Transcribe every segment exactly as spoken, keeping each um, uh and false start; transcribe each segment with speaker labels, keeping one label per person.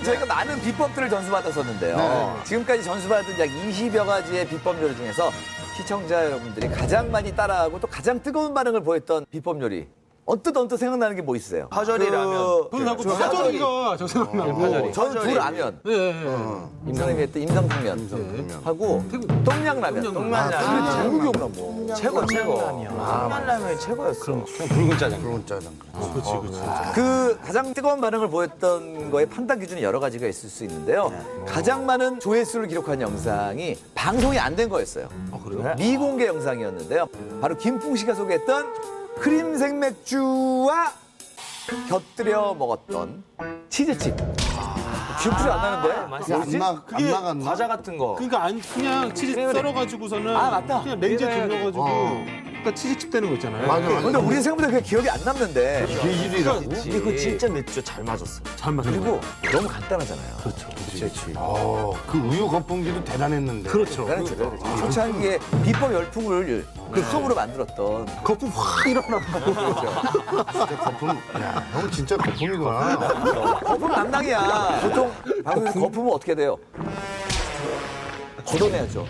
Speaker 1: 그동안 저희가 많은 비법들을 전수받았었는데요.
Speaker 2: 네.
Speaker 1: 지금까지 전수받은 약 이십여 가지의 비법 요리 중에서 시청자 여러분들이 가장 많이 따라하고 또 가장 뜨거운 반응을 보였던 비법 요리. 언뜻 언뜻 생각나는 게 뭐 있어요?
Speaker 3: 파절이 라면.
Speaker 4: 저는 자꾸
Speaker 1: 저
Speaker 4: 파절이가 저 생각나고.
Speaker 3: 파절이.
Speaker 1: 저는 두 라면.
Speaker 4: 네, 네.
Speaker 1: 임 선생님이 했던 임성탕면 하고 똥냥라면.
Speaker 3: 똥만라면.
Speaker 1: 너무 기억나 뭐.
Speaker 3: 최고 최고. 똥만라면이 최고였어. 그냥 붉은 짜장.
Speaker 2: 붉은 짜장.
Speaker 4: 그렇지, 그렇지.
Speaker 1: 그 가장 뜨거운 반응을 보였던 거에 판단 기준이 여러 가지가 있을 수 있는데요. 가장 많은 조회수를 기록한 영상이 방송이 안 된 거였어요.
Speaker 4: 아, 그래요?
Speaker 1: 미공개 영상이었는데요. 바로 김풍 씨가 소개했던 크림 생맥주와 곁들여 먹었던 치즈칩. 기억이 안 나는데? 뭐지?
Speaker 2: 안, 나, 안 나갔나?
Speaker 3: 과자 같은 거.
Speaker 4: 그러니까 안 그냥 치즈 썰어가지고서는
Speaker 1: 아, 맞다.
Speaker 4: 그냥 렌즈에
Speaker 3: 그래.
Speaker 4: 돌려가지고
Speaker 2: 어.
Speaker 4: 그러니까 치즈칩 되는 거 있잖아요.
Speaker 2: 맞아, 맞아.
Speaker 1: 근데 우리 생각보다 그게 기억이 안 남는데.
Speaker 2: 비질이라고?
Speaker 3: 근데 그거 진짜 맥주 잘 맞았어.
Speaker 4: 잘 맞는
Speaker 1: 그리고
Speaker 4: 거.
Speaker 1: 너무 간단하잖아요.
Speaker 4: 그렇죠. 그렇지.
Speaker 2: 어, 그 우유 거품기도 대단했는데.
Speaker 4: 그렇죠.
Speaker 1: 그러니까 그렇죠. 초창기에 비법 열풍을 그 수업으로 만들었던.
Speaker 4: 거품 확 일어나고.
Speaker 2: 진짜 거품. 야, 형 진짜 거품이구나.
Speaker 1: 거품 담당이야. 보통 방송에서 거품은 어떻게 돼요? 걷어내야죠.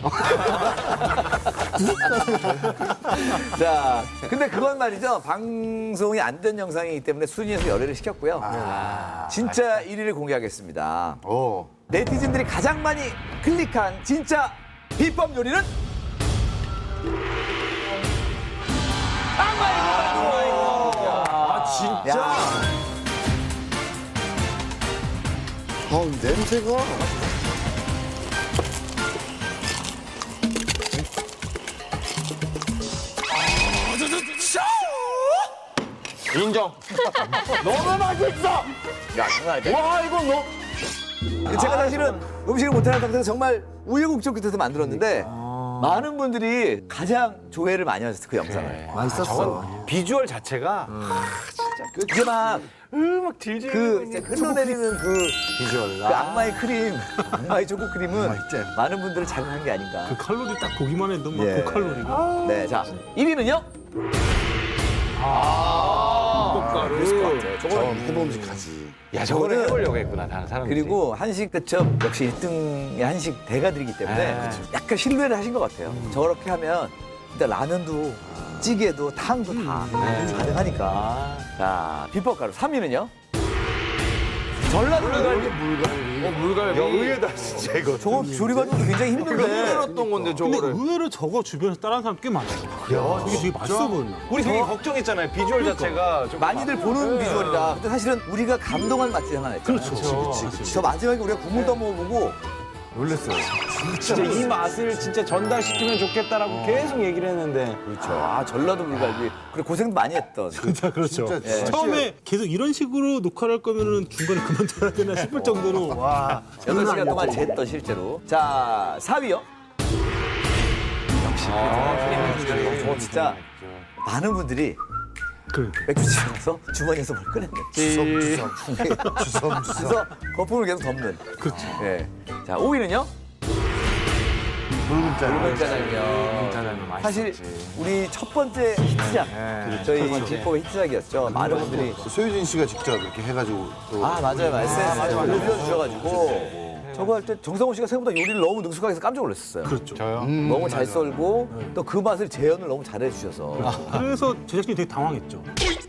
Speaker 1: 자, 근데 그건 말이죠. 방송이 안 된 영상이기 때문에 순위에서 열애를 시켰고요. 진짜 일 위를 공개하겠습니다.
Speaker 2: 어.
Speaker 1: 네티즌들이 가장 많이 클릭한 진짜 비법 요리는?
Speaker 3: 아 진짜.
Speaker 1: 야,
Speaker 2: 어, 냄새가.
Speaker 3: 인정. 너무 맛있어.
Speaker 1: 야, 장난 아니다.
Speaker 3: 와 이거 너.
Speaker 1: 제가 사실은 음식을 못하는 상태에서 정말 우여곡절 끝에서 만들었는데 많은 분들이 가장 조회를 많이 하셨어요, 그 영상을.
Speaker 3: 맛있었어. 비주얼 자체가
Speaker 1: 이게 막
Speaker 3: 음악 질질.
Speaker 1: 그 이제 흘러내리는 그,
Speaker 3: 비주얼.
Speaker 1: 그 악마의 크림, 악마의 초코 크림은
Speaker 2: 맛있지?
Speaker 1: 많은 분들을 자극한 게 아닌가.
Speaker 4: 그 칼로리 딱 보기만 해도 막
Speaker 1: 예.
Speaker 4: 고칼로리가.
Speaker 1: 네, 자, 일 위는요?
Speaker 4: 고가루.
Speaker 1: 네,
Speaker 2: 저
Speaker 1: 저거는
Speaker 2: 해봄직하지.
Speaker 3: 야 저거를
Speaker 1: 저거는-
Speaker 3: 해보려고 했구나 다른 사람들이.
Speaker 1: 그리고 한식 대첩 역시 일 등의 한식 대가들이기 때문에
Speaker 3: 아,
Speaker 1: 약간 신뢰를 하신 것 같아요. 저렇게 하면 일단 라면도 찌개도 탕도 다
Speaker 3: 네.
Speaker 1: 가능하니까.
Speaker 3: 아.
Speaker 1: 자, 비법 가루 삼 위는요? 전라도 물갈비.
Speaker 2: 물갈비.
Speaker 3: 어 물갈비.
Speaker 2: 야, 의외다, 진짜 이거.
Speaker 1: 저거 조리가 굉장히 힘든데.
Speaker 3: 힘들었던 건데
Speaker 4: 근데
Speaker 3: 저거를.
Speaker 4: 의외로 저거 주변에서 따라하는 사람 꽤 많아요. 그래요? 이게 되게 맛있어 보였나?
Speaker 3: 우리 되게 걱정했잖아요. 비주얼 자체가 좀
Speaker 1: 많이들 보는
Speaker 3: 네.
Speaker 1: 비주얼이다. 근데 사실은 우리가 감동한 맛집 하나 있잖아요.
Speaker 4: 그렇죠.
Speaker 1: 저 마지막에 우리가 국물 떠먹어보고
Speaker 2: 놀랬어요.
Speaker 3: 진짜 이 맛을 진짜 전달시키면 좋겠다라고 계속 얘기를 했는데.
Speaker 1: 그렇죠. 아, 전라도 물갈비. 그래 고생도 많이 했던.
Speaker 4: 진짜 그렇죠.
Speaker 2: 진짜
Speaker 1: 예.
Speaker 4: 처음에 계속 이런 식으로 녹화를 할 거면은 중간에 그만둬야 되나 싶을 정도로 와.
Speaker 1: 여덟 시간 동안 쟀던 실제로. 자, 사 위요. 역시 그 저 진짜 많은 분들이
Speaker 4: 그러니까.
Speaker 1: 맥주집에 가서 주머니에서 뭘 꺼냈네.
Speaker 2: 주섬주섬. 주섬주섬.
Speaker 1: 그래서 거품을 계속 덮는.
Speaker 4: 그렇죠.
Speaker 1: 예. 자, 오 위는요?
Speaker 2: 붉은 짜장.
Speaker 1: 붉은 짜장면.
Speaker 3: 짜장면
Speaker 1: 사실
Speaker 3: 맛있었지.
Speaker 1: 우리 첫 번째 히트작.
Speaker 3: 네.
Speaker 1: 저희 비법의 히트작이었죠. 많은 분들이.
Speaker 2: 소유진 씨가 직접 이렇게 해가지고. 또
Speaker 1: 아, 맞아요. 에스엔에스에 올려주셔가지고. 저거 할 때 정성호 씨가 생각보다 요리를 너무 능숙하게 해서 깜짝 놀랐었어요.
Speaker 4: 그렇죠.
Speaker 3: 저요?
Speaker 1: 너무 잘 썰고 또 그 맛을 재현을 너무 잘해 주셔서.
Speaker 4: 그래서 제작진이 되게 당황했죠.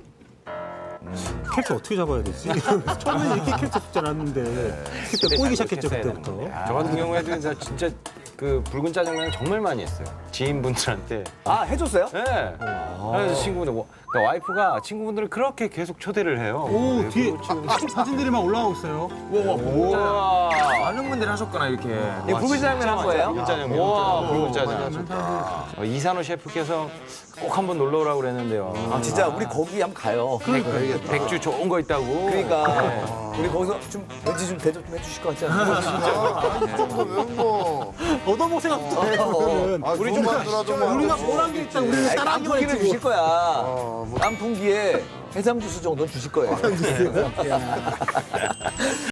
Speaker 4: 캐릭터 어떻게 잡아야 되지? 처음에는 이렇게 캐릭터 잡지 않았는데 캐릭터 꼬이기 시작했죠 그때부터.
Speaker 3: 저 같은 경우에도 진짜, 진짜 그 붉은 짜장면 정말 많이 했어요. 지인분들한테.
Speaker 1: 아, 해줬어요?
Speaker 3: 네. 그래서 친구분들, 뭐, 그러니까 와이프가 친구분들을 그렇게 계속 초대를 해요.
Speaker 4: 오 뒤에 사진들이 막 올라오고 있어요.
Speaker 3: 우와.
Speaker 5: 많은 분들이 하셨구나 이렇게.
Speaker 1: 이거 붉은 짜장면 한 거예요?
Speaker 3: 붉은 짜장면. 와, 붉은 짜장. 어, 이산호 셰프께서 꼭 한번 놀러 오라고 그랬는데요.
Speaker 1: 아, 진짜 우리 거기 한번 가요.
Speaker 3: 백주 좋은 거 있다고.
Speaker 1: 그러니까 우리 거기서 좀 왠지 좀 대접 좀 해주실 것 같지 않아요?
Speaker 2: 아, 이 정도면 뭐.
Speaker 4: 얻어먹을 생각부터 해
Speaker 1: 어,
Speaker 4: 그러면.
Speaker 2: 아, 우리 좀 만들어도 뭐.
Speaker 4: 우리가 뻔한 게 있다. 우리는
Speaker 1: 아니,
Speaker 4: 따라하기만
Speaker 1: 깐풍기를
Speaker 4: 했지.
Speaker 1: 주실 거야.
Speaker 2: 어, 뭐.
Speaker 1: 깐풍기에 해삼 주스 정도는 주실 거예요.